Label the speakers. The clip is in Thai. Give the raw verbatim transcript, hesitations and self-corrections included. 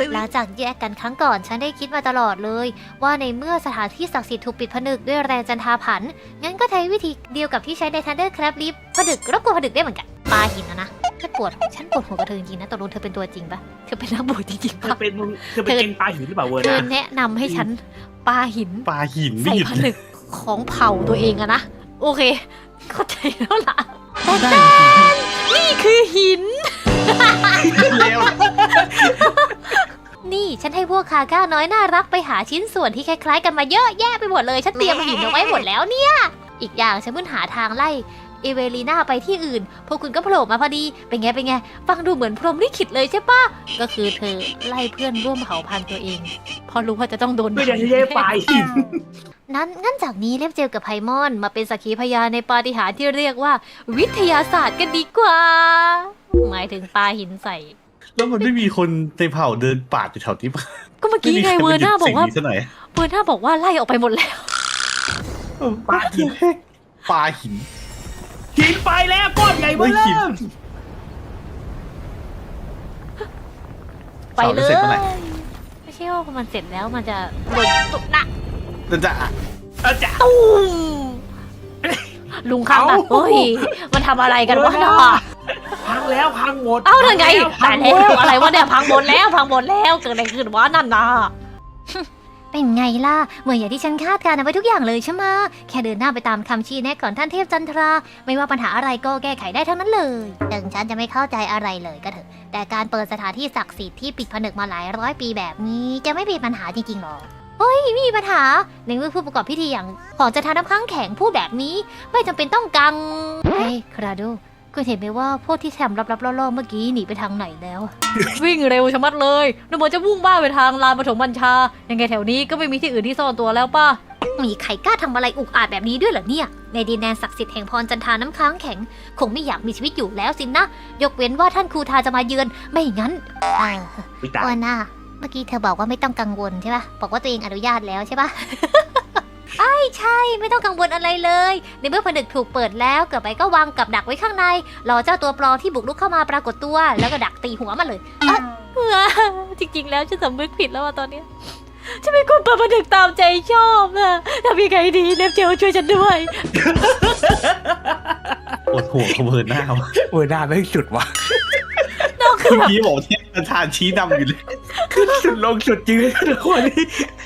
Speaker 1: หลังจากแยกกันครั้งก่อนฉันได้คิดมาตลอดเลยว่าในเมื่อสถานที่ศักดิ์สิทธิ์ถูกปิดผนึกด้วยแรงจันทาผันงั้นก็ใช้วิธีเดียวกับที่ใช้ใน Thunder Crab Lift ผนึกรบกวนผนึกได้เหมือนกันปาหินนะนะฉันปวดฉันปวดหัวกับเธอจริงๆนะตกลงเธอเป็นตัวจริงปะเธอเป็นนักบวชจริงๆ
Speaker 2: เธอ
Speaker 1: ปะ
Speaker 2: เป็นเธอเป็นเก่งปลาหินหรือเปล่าเวอร์
Speaker 1: เธอ
Speaker 2: นะ
Speaker 1: แนะนำให้ฉันปาหิน
Speaker 3: ปลาหิน
Speaker 1: ใส่
Speaker 3: นี่
Speaker 1: ผนึกของเผ่าตัวเองอะนะโอเคเข้าใจแล้วล่ะแต่
Speaker 3: ได้
Speaker 1: นี่คือหิน
Speaker 3: แล้ว
Speaker 1: นี่ฉันให้พวกคาก้าน้อยน่ารักไปหาชิ้นส่วนที่คล้ายๆกันมาเยอะแยะไปหมดเลยฉันเตรียมหินเอาไว้หมดแล้วเนี่ยอีกอย่างฉันเพิ่งหาทางไล่เอเวลีน่าไปที่อื่นพวกคุณก็โผล่มาพอดีเป็นไงเป็นไงฟังดูเหมือนพรหมลิขิตเลยใช่ปะก็คือเธอไล่เพื่อนร่วมเผ่าพันธุ์ตัวเองเพราะรู้ว่าจะต้องโดน
Speaker 2: ไม่ได้ใช้ปลาหิน
Speaker 1: นั้นงั้นจากนี้เล็บเจลกับไพมอนมาเป็นสักขีพยานในปาฏิหาริย์ที่เรียกว่า วิทยาศาสตร์กันดีกว่า หมายถึงปลาหินใส่
Speaker 3: แล้วมันไม่มีคนในเผ่าเดินป่าดอยู่แถวนี้ปะ
Speaker 1: ก็เมื่อกี้ไงเวอร์น่าบอกว่า
Speaker 3: ไม่มีใครมาหยุดสิ่งนี้ซะหน่อย
Speaker 1: เวอร์น่าบอกว่าไล่ออกไปหมดแล้ว
Speaker 2: ปลาหิน
Speaker 3: ปลาหิน
Speaker 2: หินไปแล้วก้อนใหญ่เบ้อ
Speaker 3: ไม่หิน
Speaker 2: เริ่ม
Speaker 1: ไปเลย
Speaker 3: เสาร์จะเสร็จเมื่อไหร่
Speaker 1: ไม่ใช่ว่าพอมันเสร็จแล้วมันจะโดนตุกหนัก
Speaker 3: นั่นจะ
Speaker 2: อาจารย์
Speaker 1: ตุ้มลุงข้างอ่ะเฮ้ยมันทำอะไรกันวะน่ะ
Speaker 2: พังแล้วพังหมด
Speaker 1: เอ้านั่นไง
Speaker 2: พั
Speaker 1: ตาย
Speaker 2: งหม
Speaker 1: แล้
Speaker 2: ด
Speaker 1: วอะไรวะเนี่ยพังหมดแล้วพังหมดแล้วเกิดอะไรขึ้นวะนั่นน่ะ เป็นไงล่ะเหมือนอย่างที่ฉันคาดการณ์เอาไว้ทุกอย่างเลยใช่ไหมแค่เดินหน้าไปตามคำชี้แนะของท่านเทพจันทรา ไม่ว่าปัญหาอะไรก็แก้ไขได้ทั้งนั้นเลยถึงฉันจะไม่เข้าใจอะไรเลยก็เถอะแต่การเปิดสถานที่ศักดิ์สิทธิ์ที่ปิดผนึกมาหลายร้อยปีแบบนี้จะไม่มีปัญหาจริงๆหรอเฮ้ยไม่มีปัญหาในเมื่อผู้ประกอบพิธีอย่างของจันทาน้ำค้างแข็งพูดแบบนี้ไม่จำเป็นต้องกังเฮ้ยคราโดคุณเห็นไหมว่าพวกที่แถมรับๆล่อๆเมื่อกี้หนีไปทางไหนแล้ว วิ่งเร็วชะมัดเลยนึกว่าจะวุ่งบ้าไปทางลานปฐมบัญชายังไงแถวนี้ก็ไม่มีที่อื่นที่ซ่อนตัวแล้วป่ะมีใครกล้าทำอะไรอุกอาจแบบนี้ด้วยเหรอเนี่ยในดินแดนศักดิ์สิทธิ์แห่งพรจันทาน้ำค้างแข็งคงไม่อยากมีชีวิตอยู่แล้วสินะ ยกเว้นว่าท่านครูทาจะมาเยือนไม่งั้นเออ
Speaker 2: อุ๊ยตาย
Speaker 1: วันน่ะเมื่อกี้เธอบอกว่าไม่ต้องกังวลใช่ปะบอกว่าตัวเองอนุญาตแล้วใช่ปะ ไอ้ใช่ไม่ต้องกังวลอะไรเลยในเมื่อผนึกถูกเปิดแล้วเกิดไปก็วางกับดักไว้ข้างในรอเจ้าตัวปลอมที่บุกรุกเข้ามาปรากฏตัวแล้วก็ดักตีหัวมันเลยเอ้อ จริงๆแล้วฉันสำนึกผิดแล้วอะตอนเนี้ยฉันเป็นคนเปิดผนึกตามใจชอบนะทำยังไงดีเนฟเจลช่วยฉันด้วย
Speaker 3: ปวดหัวขบเบิร์นหน้าว่ะ
Speaker 2: เวอร์หน้าไม่สุดว่ะ
Speaker 3: เมื่อกี้บอกเทพประธานชี้นำอยู่เลย
Speaker 2: ขึ้นสุดลงสุดจริงเลยทุกคน